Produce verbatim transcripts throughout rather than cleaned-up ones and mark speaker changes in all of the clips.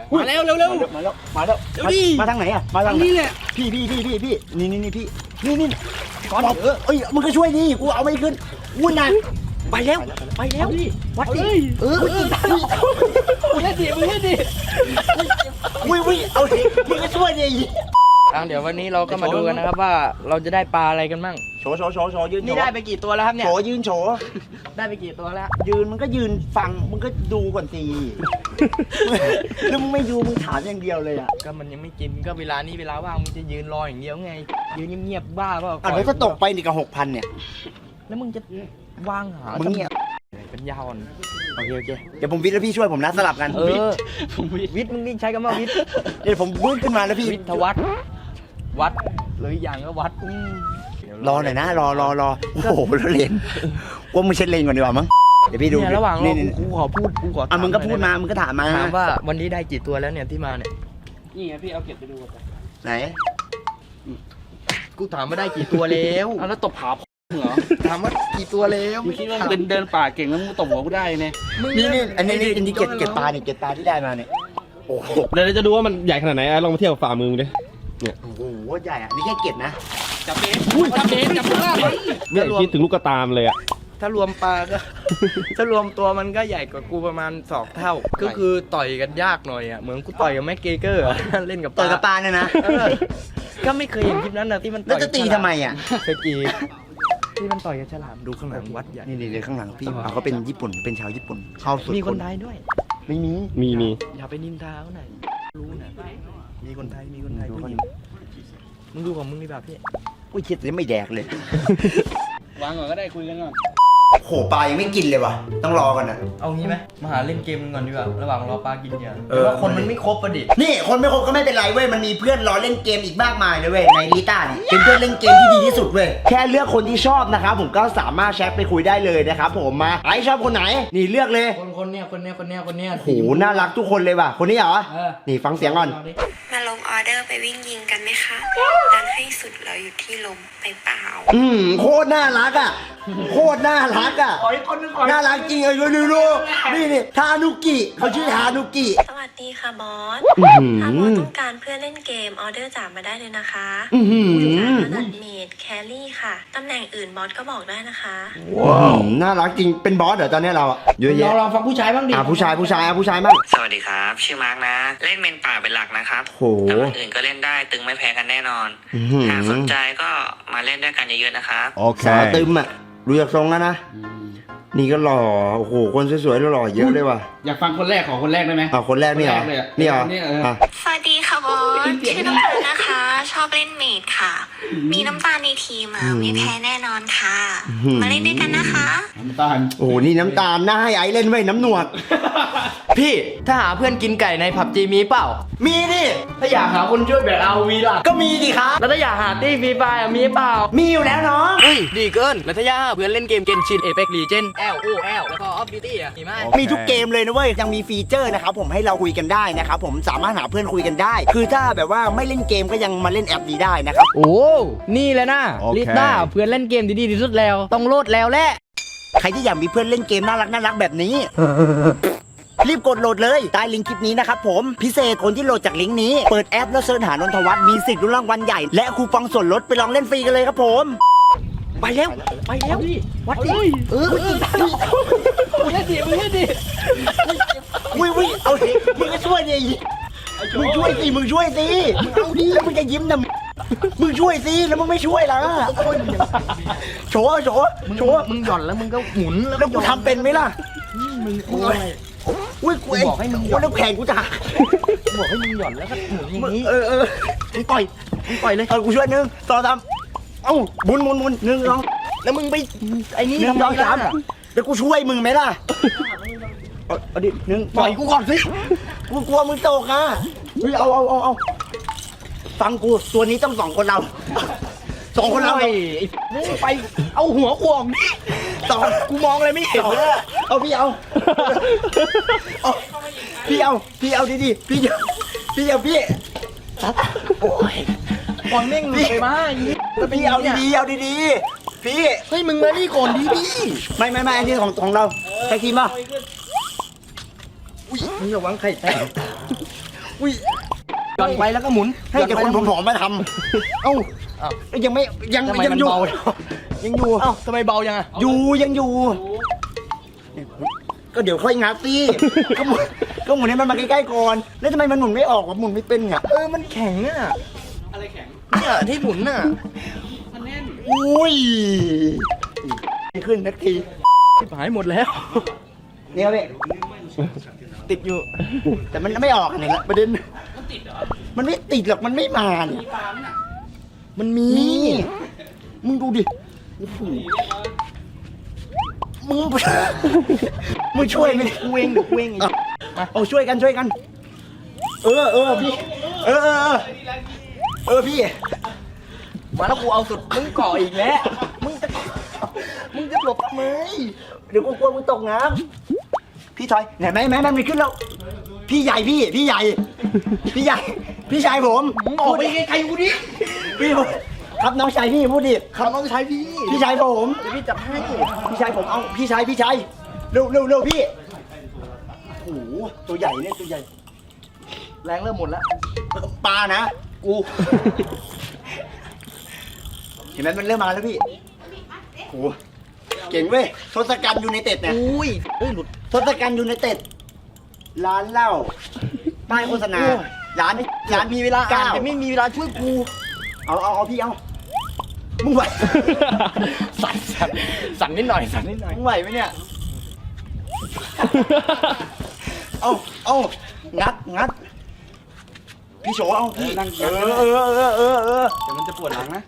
Speaker 1: มาแล้วเร็วเร็ว
Speaker 2: มาแล้วมาแล้ว
Speaker 1: เดี๋ยวดิ
Speaker 2: มาทางไหนอ่ะมาทาง
Speaker 1: นี่แหละ
Speaker 2: พี่พี่พี่พี่พี่นี่นี่นี่พี่นี่นี่ก่อนเออเอ้ยมึงก็ช่วยดิกูเอาไม่ขึ้นอุ้ยนะไปแล้วไปแล้ววัดดิเออ
Speaker 1: มึงเล่นดิมึงเล่นดิ
Speaker 2: อุ้ยอุ้ยเอาดิมึงก็ช่วยดิ
Speaker 1: อ่ะเดี๋ยววันนี้เราก็มาดูกันนะครับว่าเราจะได้ปลาอะไรกันบ้าง
Speaker 2: โฉโฉโฉโฉยืน
Speaker 1: นี่ได้ไปกี่ตัวแล้วครับเนี่ย
Speaker 2: โฉยืนโฉ
Speaker 1: ได้ไปกี่ตัวแล้ว
Speaker 2: ยืนมันก็ยืนฟังมึงก็ดูก่อนสิแล้วมึงไม่ดูมึงถามอย่างเดียวเลยอ่ะ
Speaker 1: ก็มันยังไม่กินก็เวลานี้เวลาว่างมึงจะยืนรออย่างเดียวไงยืนเงียบๆบ้าเปล่า
Speaker 2: อ่ะแล้วก็ตกไปนี่กับหกพันเนี่ย
Speaker 1: แล้วมึงจะว่างหา
Speaker 2: มึงเนี่ย
Speaker 1: เป็นยาวอ่อน
Speaker 2: โอเคโอเคเดี๋ยวผมวิทย์แล้วพี่ช่วยผมนะสลับกัน
Speaker 1: เออวิทย์มึงนี่ใช้คำว่าวิทย์
Speaker 2: เดี๋ยวผมวิ่งขึ้นมาแล้วพี่
Speaker 1: วิทยวัฒน์วัดหรืออย่างก็วัดอืม
Speaker 2: รอหน่อยนะรอรอรอโอ้โหแล้วเลนว่ามึงเช็ดเลนก่อนดีกว่ามั้งเดี๋ยวพี่ดู
Speaker 1: เนี่ยระหว่างรอ
Speaker 2: นี่
Speaker 1: กูขอพูดกูขอ
Speaker 2: อ่ะมึงก็
Speaker 1: ถา
Speaker 2: พูด
Speaker 1: หน่
Speaker 2: มา
Speaker 1: อย
Speaker 2: มึงก็ถามมา
Speaker 1: นะถามว่าวันนี้ได้กี่ตัวแล้วเนี่ยที่มาเนี่ย
Speaker 3: นี่ไงพี่เอาเก็บไปดูกัน
Speaker 2: ไหน
Speaker 1: กูถามว่าได้กี่ตัวแล้ว
Speaker 3: เอาแล้วตบขาเหรอ
Speaker 1: ถามว่ากี่ตัวแล้ว
Speaker 3: มึงคิดว่ามึงเดินป่าเก่งแล้วมึงตบหัวกูได้เนี่ย
Speaker 2: นี่นี่อันนี้นี่อันนี้เก็บเก็บปลาเนี่ยเก็บปลาที่ได้มาเนี่ยโอ้โห
Speaker 4: เดี๋ยวเราจะดูว่ามันใหญ่ขนาดไหนอ่ะลองมาเทียบกับฝ่ามือมึงดิ
Speaker 2: โอ้โหใหญ่อ่ะนี่แค่เก็บนะ
Speaker 3: จับเบสจับเบสจับข้างล่าง
Speaker 4: เนี่ยคิดถึงลูกกระตามเลยอ่ะ
Speaker 1: ถ้ารวมปลาก็ ถ้ารวมตัวมันก็ใหญ่กว่ากูประมาณสองเท่า ก็คือต่อยกันยากหน่อยอ่ะเหมือนกูต่อยกับแม็กเกเกอร์อะ เล่นกับป
Speaker 2: ต่อ
Speaker 1: ลาย
Speaker 2: กับปลาเนี่ยนะ
Speaker 1: เออก็ไม่เคยเห็นคลิปนั้นนะที่มัน
Speaker 2: แล้ว
Speaker 1: ต่อย
Speaker 2: จะตีทำไมอ่ะ
Speaker 1: เคยกีที่มันต่อยกับฉลามดูข้างหลังวัดใหญ่
Speaker 2: นี่นี่เลยข้างหลังพี่เอาเขาเป็นญี่ปุ่นเป็นชาวญี่ปุ่นเข้าสุด
Speaker 1: มีคนไทยด้วย
Speaker 2: ไม่มี
Speaker 4: มีมี
Speaker 1: อย่าไปนินทาเขาหน่อยรู้นะมีคนไทยมีคนไทย
Speaker 2: ดู
Speaker 1: ผู้
Speaker 2: เขา
Speaker 1: หญิ
Speaker 2: ดิ
Speaker 1: งมึงดูของมึงดีแบบพี่
Speaker 2: อุ้ยคิดจะไม่แดกเลย
Speaker 3: วางก่อนก็ได้คุยกันก่อน
Speaker 2: โหปลายังไม่กินเลยว่ะต้องรอก่อนนะ
Speaker 1: เอางี้ไหมมาหาเล่นเกมกันก่อนดีกว่าระหว่างรอปลากินเหยื่อ
Speaker 2: เออ
Speaker 1: แต่ว่าคนมันไม่ครบประดิ
Speaker 2: นี่คนไม่ครบก็ไม่เป็นไรเว้ยมันมีเพื่อนรอเล่นเกมอีกมากมายเลยเว้ยในลิต้านี่เป็นเพื่อนเล่นเกมที่ดีที่สุดเว้ยแค่เลือกคนที่ชอบนะครับผมก็สามารถแชทไปคุยได้เลยนะครับผมมาไอชอบคนไหนนี่เลือกเลย
Speaker 1: คนคนเนี้ยคนเนี้ยคนเนี้ยคนเนี้ย
Speaker 2: โหน่ารักทุกคนเลยว่ะคนนี้เหรอ
Speaker 1: เออ
Speaker 2: นี่ฟังเสียงก่อน
Speaker 1: าดิ
Speaker 5: มาลงออเดอร์ไปวิ่งยิงกันไหมคะดันให้สุดเราอยู่ที่ลมไปเปล่า
Speaker 2: อืมโคตรน่ารักอ่ะโคตรน่ารักอ่ะ
Speaker 1: ขออีกคนนึงขอ
Speaker 2: น่ารักจริงเลยดูดูดูนี่นี่ทานุกิเขาชื่อทานุกิ
Speaker 5: สวัสดีค่ะบอส
Speaker 2: อื้อหื
Speaker 5: ถ้าบอ
Speaker 2: อ
Speaker 5: สต้องการเพื่อนเล่นเกมออเดอร์จ่ามาได้เลยนะคะ
Speaker 2: อื้อหือ
Speaker 5: ถนัดเมดแครี่ค่ะ ตำแหน่งอื่นบอสก็บอกได้นะคะ
Speaker 2: ว้าวน่ารักจริงเป็นบอสเหรอตอนนี้เราอะเยอะ
Speaker 1: ลอ
Speaker 2: แยะ
Speaker 1: งลองฟังผู้ชายบ้างดิ
Speaker 2: อ่ะผู้ชายผู้ชายอ่ะผู้ชายบ้าง
Speaker 6: สวัสดีครับ ชื่อมาร์กนะ เล่นเมนป่าเป็นหลักนะครับ
Speaker 2: โห
Speaker 6: แต่วันอื่นก็เล่นได้ตึงไม่แพ้กันแน่นอน
Speaker 2: อื้อหือ
Speaker 6: หากสนใจก็มาเล่นด้วยกันเยอะๆนะครับ
Speaker 4: โอเค
Speaker 2: สาวตึมอ่ะดูจากทรงแล้วนะนี่ก็หล่อโอ้โหคนสวยๆหล่อๆเยอะเลยว่ะ
Speaker 3: อยากฟังคนแรกของคนแรกได้ไหม
Speaker 2: อ่ะคนแรกนี่เหรอ
Speaker 3: คนแรกเลยอะ
Speaker 2: นี่เหรอ
Speaker 3: นี่เอออ่
Speaker 2: อ่ะ
Speaker 5: สวัสดีค่ะบอส ชื่อน้ำตาลนะคะ ชอบเล่นเมดค่ะ มีน้ำตาลในทีมอ่ะไม่แพ้แน่นอนค่ะ มาเล่นด้วยกันนะคะ
Speaker 3: น้ำตาล
Speaker 2: โอ้โหนี่น้ำตาลน่าให้ไอ้เล่นไว้ยน้ำหนวด
Speaker 1: พี่ถ้าหาเพื่อนกินไก่ในผับจีมีเปล่า
Speaker 2: มีดิ
Speaker 1: ถ้าอยากหาคนช่วยแบบเอาวีล่ะ
Speaker 2: ก็มีดิครับ
Speaker 1: แล้วถ้าอยากหาตี้ฟรีไฟร์อะมีเปล่า
Speaker 2: มีอยู่แล้วน้อง
Speaker 1: เฮ้ยดีเกินแล้วถ้าอยากหาเพื่อนเล่นเกมเกนชินเอเ x กลีเจน L O L แล้วก็ออฟบิวตี้อะมีไหม
Speaker 2: มีทุกเกมเลยนะเว้ยยังมีฟีเจอร์นะครับผมให้เราคุยกันได้นะครับผมสามารถหาเพื่อนคุยกันได้ คือถ้าแบบว่าไม่เล่นเกมก็ยังมาเล่นแอปนี้ได้นะครับ
Speaker 1: โอ้นี่แหละนะ
Speaker 4: โอเค
Speaker 1: ลิต้าเพื่อนเล่นเกมดีๆที่สุดแล้วต้องโหลดแล้วแหละ
Speaker 2: ใครที่อยากมีเพื่อนเล่นเกมน่ารักน่ารักแบบนี้ รีบกดโหลดเลยใต้ลิงก์คลิปนี้นะครับผมพิเศษคนที่โหลดจากลิงก์นี้เปิดแอปแล้วเสิร์ชหานนทวัฒน์มีสิทธิ์ลุ้นรางวัลใหญ่และคูปองส่วนลดไปลองเล่นฟรีกันเลยครับผมไปแล้วไปแล้ววัดดิเออ
Speaker 1: มึงเล่นดิมึงเล่นดิ
Speaker 2: อุ้ยอุ้ยเอาดิมึงก็ช่วยดิมึงช่วยสิมึงช่วยสิมึงเอาดิแล้วมึงจะยิ้มนะมึงช่วยสิแล้วมึงไม่ช่วยล่ะโฉโฉโฉ
Speaker 1: มึงหย่อนแล้วมึงก็หมุนแล้ว
Speaker 2: แล้วกูทำเป็นไหมล่ะ
Speaker 1: มึง
Speaker 2: มึงเอาอุ้ยกูเอง
Speaker 1: บอกให้มึง
Speaker 2: โอ้แล้วแขนกูจะหัก
Speaker 1: บอกให้มึงหย่อนแล้วก็หมุนอย่างนี้
Speaker 2: เออเออ
Speaker 1: มึงปล่อยมึงปล่อยเลย
Speaker 2: เออกูช่วยหนึ่งสองสามเอ้าหมุนหมุนหมุนหนึ่งสอง
Speaker 1: แล้วมึงไปไอ้นี่
Speaker 2: หนึ่ง
Speaker 1: ทำ
Speaker 2: สอง
Speaker 1: ไม
Speaker 2: สาม
Speaker 1: ล่ะ
Speaker 2: เดี๋ยวกูช่วยมึงไหมล่ะเอาเอาดิหนึ่ง
Speaker 1: ปล่อยกูก่อนสิ
Speaker 2: กูกลัวมึงตกอ่ะเฮ้ยเอาเอาเอาเอาฟังกูตัวนี้ต้องสองคนเราสองคนเรา
Speaker 1: ไอ้มึงไปเอาหัวขวง
Speaker 2: สอง
Speaker 1: กูมองอะไรไม่เห็นเลย
Speaker 2: เอาพี่เอาเอาพี่เอาพี่เอาดีๆพี่เอาพี่เอาพี่โอ้ย
Speaker 1: บอลเม่งไปมาอย่างนี้
Speaker 2: พี่เอาดีๆเอาดีๆพี่
Speaker 1: เฮ้ยมึงมานี่ก่อนดิพี่
Speaker 2: ไม่ไม่ไม่อันนี้ของของเราใครทีมป่ะ
Speaker 1: มึงอย่าหวังไข่แตกอุ้ยหย่อนไปแล้วก็หมุน
Speaker 2: ให้แต่คนผอมๆมาทำเอ้า
Speaker 1: อ้าว
Speaker 2: ยังไม่ยัง
Speaker 1: ทำไม
Speaker 2: ยัง
Speaker 1: มัน
Speaker 2: อยู่
Speaker 1: เบา
Speaker 2: ยังอยู่
Speaker 1: เอ้าทำไมเบายังอะ
Speaker 2: อยู่ยังอยู่ ก็เดี๋ยวค่อยงัดสิก็หมุนก็หมุนให้มันมาใกล้ๆก่อนแล้วทำไมมันหมุนไม่ออกวะหมุนไม่เป็นอ่ะ
Speaker 1: เออมันแข็งอะ
Speaker 3: อะไรแข็ง
Speaker 1: เนี่ยที่หมุนน่ะ
Speaker 3: มันแน่น
Speaker 2: อุ้ยไม่ขึ้นนักที
Speaker 1: ชิบหายหมดแล้ว
Speaker 2: นี่ครับพี่
Speaker 1: ติดอยู่
Speaker 2: แต่มันไม่ออกเนี่ยละประเด็นมันไม่ติดหรอกมันไม่มาเนี่ย
Speaker 1: มันมี
Speaker 2: นี่มึงดูดิโอ้โหมึง มึงช่วยไหม
Speaker 1: กูเองกูเอง
Speaker 2: เอาเอาช่วยกันช่วยกัน เออเออพี่ เออเออเออเออพี่
Speaker 1: มาแล้วกูเอาสุดมึงเกาะอีกแล้วมึงจะมึงจะหลบทำไม
Speaker 2: เดี๋ยวกูกลัวมึงตกน้ำพี่ถอยไหนไหมแม่แม่มันขึ้นแล้ว พี่ใหญ่พี่ พี่ใหญ่ พี่ใหญ่ พี่ชายผม
Speaker 1: มึงออกไปไกลๆกูดิ
Speaker 2: พี่ผมครับน้องชายพี่พูดดิ
Speaker 1: ครับน้องชายพี่
Speaker 2: พี่ชายผม
Speaker 1: เดี๋ยวพี่จับให้
Speaker 2: พี่ชายผมเอาพี่ชายพี่ชายเร็วเร็วเร็วพี่โอ้โหตัวใหญ่เนี่ยตัวใหญ่
Speaker 1: แรงเริ่มหมดแล้ว
Speaker 2: ปลานะ
Speaker 1: กู
Speaker 2: เห็นไหมมันเริ่มมาแล้วพี่โอ้โหเก่งเว้ยทศกัณฐ์ยูไนเต็ดเนี่ย
Speaker 1: อุ้ยเอ้ยหลุด
Speaker 2: ทศกัณฐ์ยูไนเต็ดร้านเหล้าป้ายโฆษณาร้านร้าน
Speaker 1: มีเวลาอ่าน
Speaker 2: เก้า
Speaker 1: แต่ไม่มีเวลาช่วยกู
Speaker 2: เอาเอาเอาพี่เอามึงไหว
Speaker 1: สั่นสั่นสั่นนิดหน่อยสั่นนิดหน่อย
Speaker 2: มึงไหวไหมเนี่ย เอาเอางัดงัดพี่โฉเอาพี่เออเออเออเออเออ
Speaker 3: เดี๋ยวมันจะปวดหลังนะ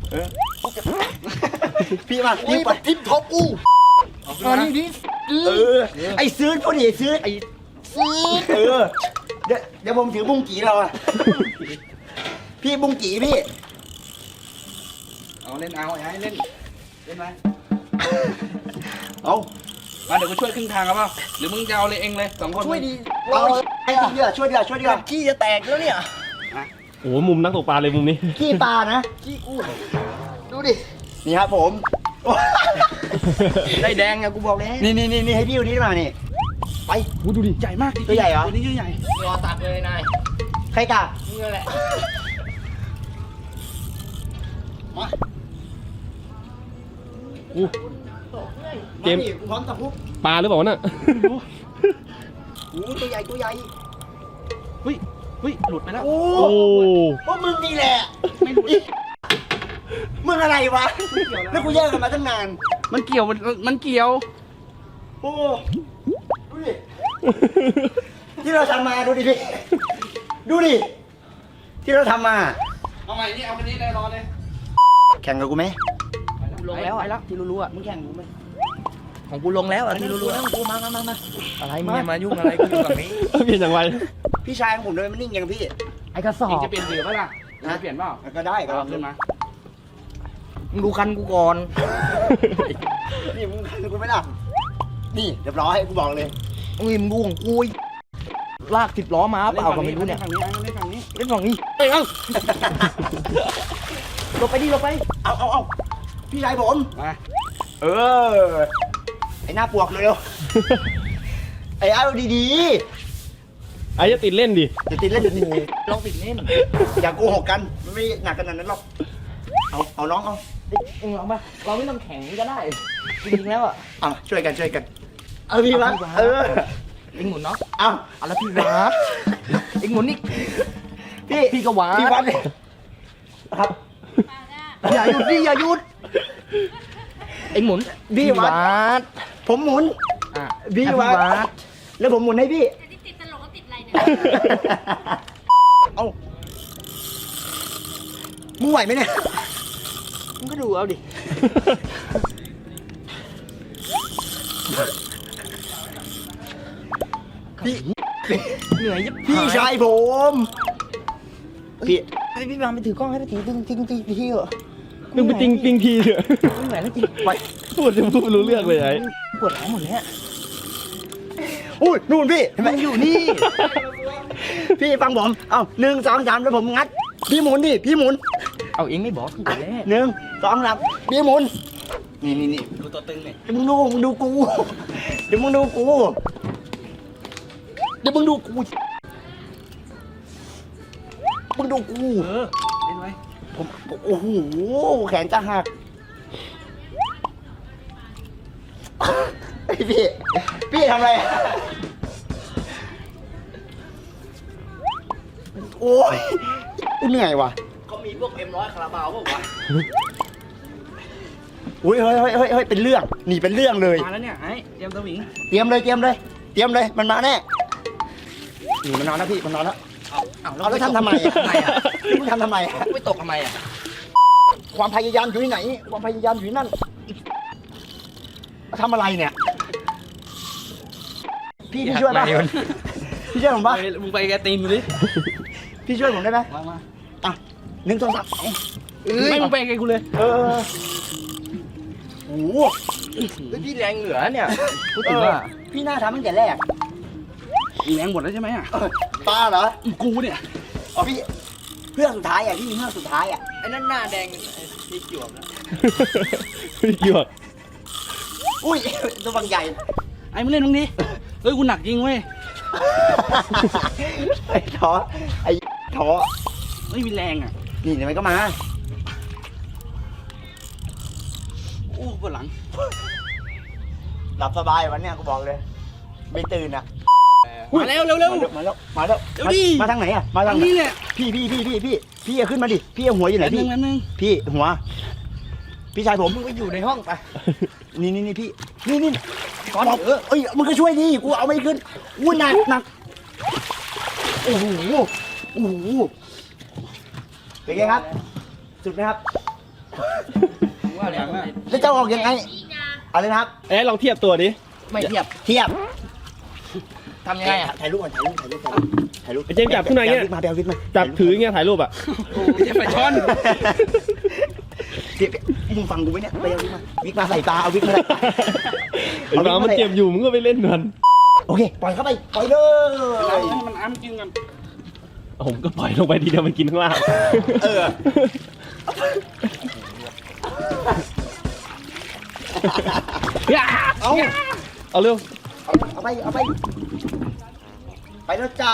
Speaker 2: พี่มา
Speaker 1: อุ้
Speaker 2: พี่
Speaker 1: ย
Speaker 2: ไป
Speaker 1: มันทิ่มท็อปกู
Speaker 3: เอาขึ้น
Speaker 1: อั
Speaker 3: มาน
Speaker 1: นี้ดิ
Speaker 2: เออไอ้ซื้อพอดีไอ้ซื้อ
Speaker 1: ไอ้ซื้อ
Speaker 2: เออเดี๋ยวเดี๋ยวผมถือบุ้งกีเราอะพี่บุ้งกีพี่
Speaker 3: เอาเล่นเอาไอ้เล่น เล่นไหม
Speaker 2: เอา
Speaker 3: มาเดี๋ยวกูช่วยครึ่งทางครับเปล่าหรือมึงจะเอาเลยเองเลยสองคน
Speaker 1: ช่วยดี
Speaker 2: เอาไอ้ทีเดียวช่วยเดียวช่วยเดียว
Speaker 1: ขี้จะแตกแล้วเนี่ย
Speaker 4: โอ้โหมุมนักตกปลาเลยมุมนี้
Speaker 2: ขี้ปลานะ
Speaker 1: ขี้กูดูดิ
Speaker 2: นี่ครับผม
Speaker 1: ได้แดงอะกูบอกแล้ว
Speaker 2: นี่นี่นี่นี่ให้พี่ดูนี่มานี่ไป
Speaker 4: อู้ดูดิ
Speaker 3: ใหญ่มาก
Speaker 2: ตัวใหญ่เหรอ
Speaker 3: ตัวนี้ชื่อใหญ่
Speaker 1: รอตัดเลยนาย
Speaker 2: ใครกะ
Speaker 1: นี่แหละ
Speaker 4: อู้ เกม
Speaker 2: าดิพร้อมตะพุบ
Speaker 4: ปลาหรือเปล่าวะน่ะ
Speaker 2: โอ้ตัวใหญ่ตัวใหญ่
Speaker 3: เฮ้ยเฮ้ยหลุดไปแล้ว
Speaker 2: โอ้
Speaker 4: โอ้
Speaker 2: พวกมึงนี่แหละไม่รู้มึงอะไรวะแล้วกูแยกกันมาตั้งนาน
Speaker 3: มันเกี่ยวมันมันเกี่ยว
Speaker 2: โอ้ดูดิที่เราทำมาดูดิพี่ดูดิที่เราทำมา
Speaker 3: เอาใหม่นี่เอาคันนี้เลยรอเลย
Speaker 2: แข่งกับกูไหม
Speaker 1: ลงแล้ว
Speaker 3: ไป
Speaker 1: อะ
Speaker 3: แล้ว
Speaker 1: ที่รู้ๆอะ
Speaker 2: มึงแข่งกูไหม
Speaker 1: ของกูลงแล้วอะที่รู้ๆอะ
Speaker 2: กูมามามามา
Speaker 1: อะไรมึงอย่ามายุ่งอะไรกูอยู่ฝั่งนี้
Speaker 4: เปลี่ยนอย่างไร
Speaker 2: พี่ชายของผมเลยมันนิ่งอย่างพี่
Speaker 1: ไอ้กระสอ
Speaker 3: เอง
Speaker 1: บ
Speaker 3: จะเปลี่ยนเสือป่ะล่ะเองจะเปลี่ยนเปล่า
Speaker 2: ก็ได้ก็
Speaker 3: เอาขึ้นมา
Speaker 1: มึงดูคันกูก่อน
Speaker 2: นี่มึงขันกูไหมล่ะนี่เรียบร้อยกูบอกเลย
Speaker 1: อุ้ยมึงดูของกูอีกลากสิบล้อมาเปล่าก็ไม่รู้เนี่ย
Speaker 3: ฝั่งนี้เล่นฝั่งนี้
Speaker 1: เล่นฝั่งนี้เอ้ยเอ้าลงไปดิลงไป
Speaker 2: เอาเอาเอาพี่ชายผม
Speaker 3: มา
Speaker 2: เออไอ้หน้าปวกเร็วๆไอ้เอาดี
Speaker 4: ไอ้จะติดเล่นดิ
Speaker 2: ๆจะติดเล่นเดี๋ยวนี้
Speaker 1: ลองติดเล่น
Speaker 2: อย่าโกหกกันมันไม่หนักขนาดนั้นหรอกเอาเอาน้องเอา
Speaker 1: เอ็งลองปะเราไม่ต้องแข่งก็ได้จริงๆแล้วอะ
Speaker 2: เอาช่วยกันช่วยกันเออพี่วะ
Speaker 1: เอาพี่วะ
Speaker 2: เออ
Speaker 1: เอ็งหมุนเนาะ
Speaker 2: เอา
Speaker 1: เอาแล้วพี่วาดเอ็งหมุนนี่
Speaker 2: พี่
Speaker 1: พี่ก็วาด
Speaker 2: พี่วัดเลยครับ
Speaker 1: อย่าหยุดดิอย่าหยุดเอ็งหมุน
Speaker 2: พี่วัด
Speaker 1: ด
Speaker 2: ผมหมุน
Speaker 1: อ่ะ
Speaker 2: พี่
Speaker 1: อ่ะ
Speaker 2: วัด
Speaker 1: ด
Speaker 2: แล้วผมหมุนให้พี่
Speaker 7: แต่ที่ติดตลกก็ติดอะไรเนี่ย
Speaker 2: เอามึงไหวไหมเนี่ย
Speaker 1: มึงก็ดูเอาดิ
Speaker 2: พี่
Speaker 1: เหนื่อยยิบ
Speaker 2: พี่ชายผม พี่
Speaker 1: ไอพี่วางไปถือกล้องให้ไปถือดึงทิ้งตีทีเหรอ
Speaker 4: มึงไปติงติงทีเถอะ
Speaker 1: ไม่ไหวแล้วจริง
Speaker 2: ไป
Speaker 4: พูดจะพูดไม่รู้เรื่องเลยไอ้
Speaker 1: ปวดหลังหมดแล้ว
Speaker 2: อุ้ยนู่นพี่เห็นไหม
Speaker 1: มันอยู่นี่
Speaker 2: พี่ฟังผม เอาหนึ่งสองสามแล้วผมงัด พี่หมุนดิ พี่หมุน
Speaker 1: เอาเองไม่บอกกูแต่แรก
Speaker 2: หนึ่งสองสามพี่หมุน นี่นี่นี่
Speaker 3: ดูตัวตึงหน่อย
Speaker 2: เดี๋ยวมึงดูมึงดูกู เดี๋ยวมึงดูกู เดี๋ยวมึงดูกูมึงดูกู
Speaker 3: เออเล่นไว้
Speaker 2: ผมโอ้โหแขนจะหักไอพี่พี่ทำอะไรอะโอ้ยเหนื่อยว่ะ
Speaker 1: เขามีพวกเอ็มร้อยคาราบาวพวกวะ
Speaker 2: อุ้ยเฮ้ยเฮ้ยเฮ้ยเฮ้ยเป็นเรื่องหนีเป็นเรื่องเลย
Speaker 3: มาแล้วเนี่ยไอ้เตรียมสวิง
Speaker 2: เตรียมเลยเตรียมเลยเตรียมเลยมันมาแน่นี่มันนอนแล้วพี่มันนอนแล้ว
Speaker 1: เอาเอา
Speaker 2: เอาแล้วทำทำไมอะ
Speaker 1: ทำไมอ่ะ
Speaker 2: มึงทำทำไมอะ
Speaker 1: ไม่ตกทำไมอ่ะ
Speaker 2: ความพยายามอยู่ที่ไหน ความพยายามอยู่ที่นั่นทำอะไรเนี่ย พี่พี่ช่วยป่ะพี่ช่วยผมป่ะ
Speaker 3: มึงไปแกตีนกูดิ
Speaker 2: พี่ช่วยผมได้ไหม
Speaker 3: มามา
Speaker 2: อ่ะหนึ่งสองสามสองเอ้ย
Speaker 3: ไม่มึงไปแกกูเลย
Speaker 2: เออโอ้โห
Speaker 1: เฮ้ยพี่แรงเหลือเนี่ย
Speaker 3: พูดถึงว่า
Speaker 2: พี่น่าทำตั้งแต่แรก
Speaker 3: แรงหมดแล้วใช่ไหมอ่ะ
Speaker 2: เออป้าเหรอ
Speaker 3: กูเนี่ย
Speaker 2: อ๋อพี่เพื่อนสุดท้ายอ่ะพี่เพื่อนสุดท้ายอ่ะ
Speaker 1: ไอ้นั่นหน้าแดงไอ้พี่หยวกนะ
Speaker 4: ไม่เกี่ยว
Speaker 2: อุ้ยตัวบางใหญ่
Speaker 3: ไอ้มึงเล่นมึงดิเฮ้ยกูหนักจริงเว้ย
Speaker 2: ไอ้ท้อไอ้ท้อ
Speaker 3: ไม่มีแรงอ่ะ
Speaker 2: นี่เดี๋ยวมันก็มา
Speaker 3: โอ้ปวดหลัง
Speaker 2: หลับสบายวันเนี้ยกูบอกเลย ไม่ตื่นอ่ะ
Speaker 3: มาแล้วเร็วเร็ว
Speaker 2: มาแล้วมาแล้ว
Speaker 3: เดี๋ยว
Speaker 2: มา
Speaker 3: ดิ
Speaker 2: มาทางไหนอ่ะมาทา
Speaker 3: ทาง ง
Speaker 2: ไหน
Speaker 3: นี้แหละ
Speaker 2: พี่พี่พี่พี่พี่พี่เอาขึ้นมาดิพี่เอาหัวอยู่ไหน
Speaker 3: แป๊บนึ
Speaker 2: พี่
Speaker 3: งแป๊บนึง
Speaker 2: พี่หัว พี่ชายผม
Speaker 1: มึงไปอยู่ในห้องไป
Speaker 2: นี่นี่นี่พี่นี่นี่ก่อนเออเอ้ยมึงก็ช่วยดิกูเอาไม่ขึ้นอู้หนักหนักโอ้โหโอ้โหเป็นไงครับ สุดไหมครับ
Speaker 3: มึงว่าแรงมาก
Speaker 2: แล้วจะออกยังไงอะไรนะครับ
Speaker 4: เอ้ยลองเทียบตัวดิ
Speaker 1: ไม่เทียบ
Speaker 2: เทียบ
Speaker 1: ทำยังไงอ่ะ
Speaker 2: ถ่ายรูปก่อนถ่ายรูปถ่ายรูปก่อนถ่ายรูป
Speaker 4: ไอ้เจมส์จับขึ้นมาเนี่ย
Speaker 2: แบลวิกมาแบลวิกมา
Speaker 4: จับถืออย่างเงี้ยถ่ายรูปอ่ะ
Speaker 3: จะไปช้อน
Speaker 2: เดี๋ยวมึงฟังกูไหมเนี่ยไปเอาวิกมาวิกมาใส่ตาเอาวิกมาใส่ตา
Speaker 4: ไอ้บ้ามันเจ็บอยู่มึงก็ไปเล่นมัน
Speaker 2: โอเคปล่อยเข้าไปปล่อยเลย
Speaker 3: ให้มันอ้ำกินกัน
Speaker 4: ผมก็ปล่อยลงไปทีเดียวมันกินข้างล่าง
Speaker 2: เออ เอา
Speaker 4: เอาเร็ว
Speaker 2: เอาไปเอาไปไปแล้วจ้า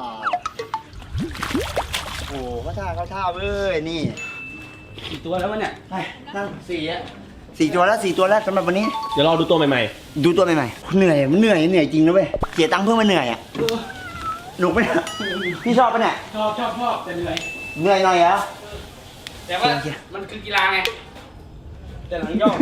Speaker 2: โอ้เขาท่าเขาท่าเว้ยนี่
Speaker 3: กี่ตัวแล้ววะเนี่ย
Speaker 2: ไปนั่ง
Speaker 1: สี่อ่ะ
Speaker 2: สี่ตัวแล้วสี่ตัวแล้วสำหรับวันนี้
Speaker 4: เดี๋ยวรอดูตัวใหม่
Speaker 2: ดูตัวใหม่ๆเหนื่อยมันเหนื่อยเหนื่อยจริงนะเว้ยเสียตังค์เพื่อมาเหนื่อยอ่ะหนุกไหมเนี่ยพี่ชอบปะเนี่ย
Speaker 3: ชอบชอบชอบแต่เหนื่อย
Speaker 2: เหนื่อยหน่อยเหรอ
Speaker 3: แต่ว่ามันคือกีฬาไงแต่หลังย่อ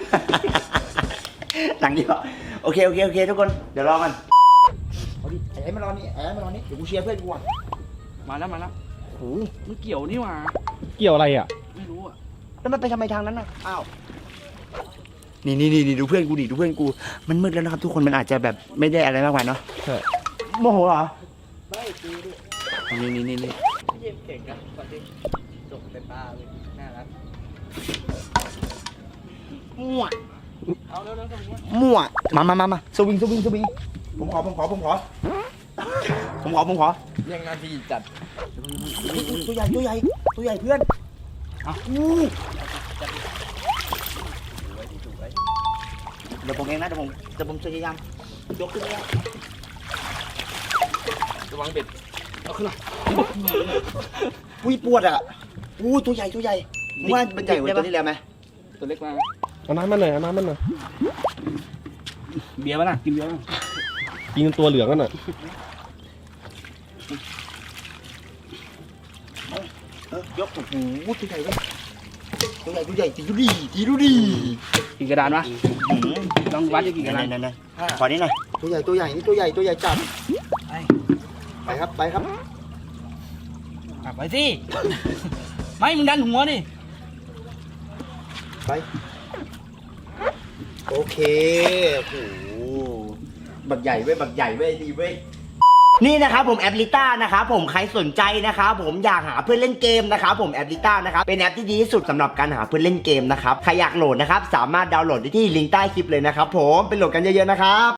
Speaker 2: หลังเดียวโอเคโอเคโอเคทุกคนเดี๋ยวรอมันเอาดิไอ้มารอนี่ไอ้มารอนี่เดี๋ยวกูเชียร์เพื่อนกูอ่ะ
Speaker 3: มาแล้วมาแล้ว
Speaker 2: โอ้
Speaker 3: มันเกี่ยวนี่หว่า
Speaker 4: ๆ เกี่ยวอะไรอ่ะ
Speaker 3: ไม่รู้อ่ะ
Speaker 2: แล้วมันไปทำไมทางนั้นน่ะอ้าวนี่นี่นี่ดูเพื่อนกูดิดูเพื่อนกูมันมืดแล้วนะครับ ทุกคนมันอาจจะแบบไม่ได้อะไรมากมายเนาะ
Speaker 4: ใช่
Speaker 2: โมโหเหรอ
Speaker 1: ไม่กูดิ
Speaker 2: นี่นี่นี่นี่
Speaker 1: เยี่ยมเก่งนะก่อนที่จบเต็มตาเลยน่ารัก
Speaker 2: มั่ว
Speaker 3: เอาเร็วเร็วเร็ว
Speaker 2: มั่วมามามามาสวิงสวิงสวิงผมขอผมขอผมขอผมขอผมขอ
Speaker 1: เรียงนาทีจัด
Speaker 2: ตัวใหญ่ตัวใหญ่ตัวใหญ่เพื่อนอ่ะอู้เดี๋ยวผมเองนะเดี๋ยวผมเดี๋ยวผมพยายามยกขึ้นแล้ว
Speaker 1: ระวังเบ็ด
Speaker 3: เอาขึ้นมา
Speaker 2: อุ้ยปวดอ่ะอู้ตัวใหญ่ตัวใหญ่มึงว่ามันใหญ่กว่าตัวที่แล้วไหม
Speaker 3: ตัวเล็กมา
Speaker 4: เอาน้ำมันหน่อยเอาน้ำมันหน่อย
Speaker 3: เบียร์ป่ะน่ะกินเบียร์ป่ะ
Speaker 4: กินตัวเหลืองกันหน่อย
Speaker 2: เออยกโอ้โหตัวใหญ่เลยตัวใหญ่ตัวใหญ่ตีดูดีตีดูดี
Speaker 3: กี่กระดานวะลองวัดได้กี่กระดาน
Speaker 2: นั่นๆๆขอนี้หน่อยตัวใหญ่ตัวใหญ่นี่ตัวใหญ่ตัวใหญ่จัด
Speaker 3: ไป
Speaker 2: ไปครับไปครับ
Speaker 3: อ่ะไปสิไม่มึงดันหัวดิ
Speaker 2: ไปโอเคโอ้โหบักใหญ่เว้ยบักใหญ่เว้ยดีเว้ยนี่นะครับผมแอปลิต้านะครับผมใครสนใจนะครับผมอยากหาเพื่อนเล่นเกมนะครับผมแอปลิต้านะครับเป็นแอปที่ดีที่สุดสำหรับการหาเพื่อนเล่นเกมนะครับใครอยากโหลดนะครับสามารถดาวน์โหลดได้ที่ลิงก์ใต้คลิปเลยนะครับผมไปโหลดกันเยอะๆนะครับ